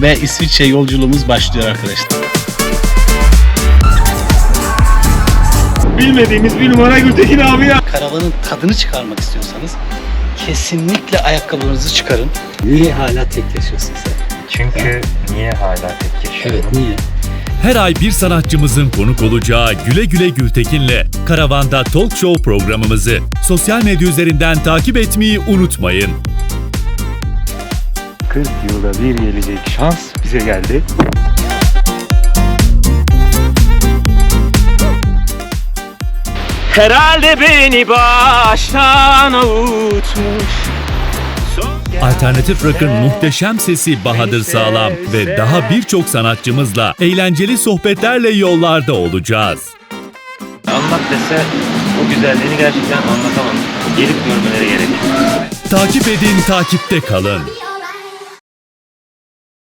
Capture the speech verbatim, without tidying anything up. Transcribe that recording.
ve İsviçre yolculuğumuz başlıyor arkadaşlar. Bilmediğimiz bir numara Gültekin abi ya. Karavanın tadını çıkarmak istiyorsanız kesinlikle ayakkabınızı çıkarın. Niye hala tek yaşıyorsun sen? Çünkü niye hala tek yaşıyorum? Evet, niye? Her ay bir sanatçımızın konuk olacağı Güle Güle Gültekin'le Karavan'da Talk Show programımızı sosyal medya üzerinden takip etmeyi unutmayın. kırk yılda bir gelecek şans bize geldi. Herhalde beni baştan avutmuş. Alternatif Rock'ın muhteşem sesi Bahadır Sağlam ve daha birçok sanatçımızla eğlenceli sohbetlerle yollarda olacağız. Anlat dese o güzelliğini gerçekten anlatamam. Gelip görmeleri gerekiyor. Takip edin, takipte kalın.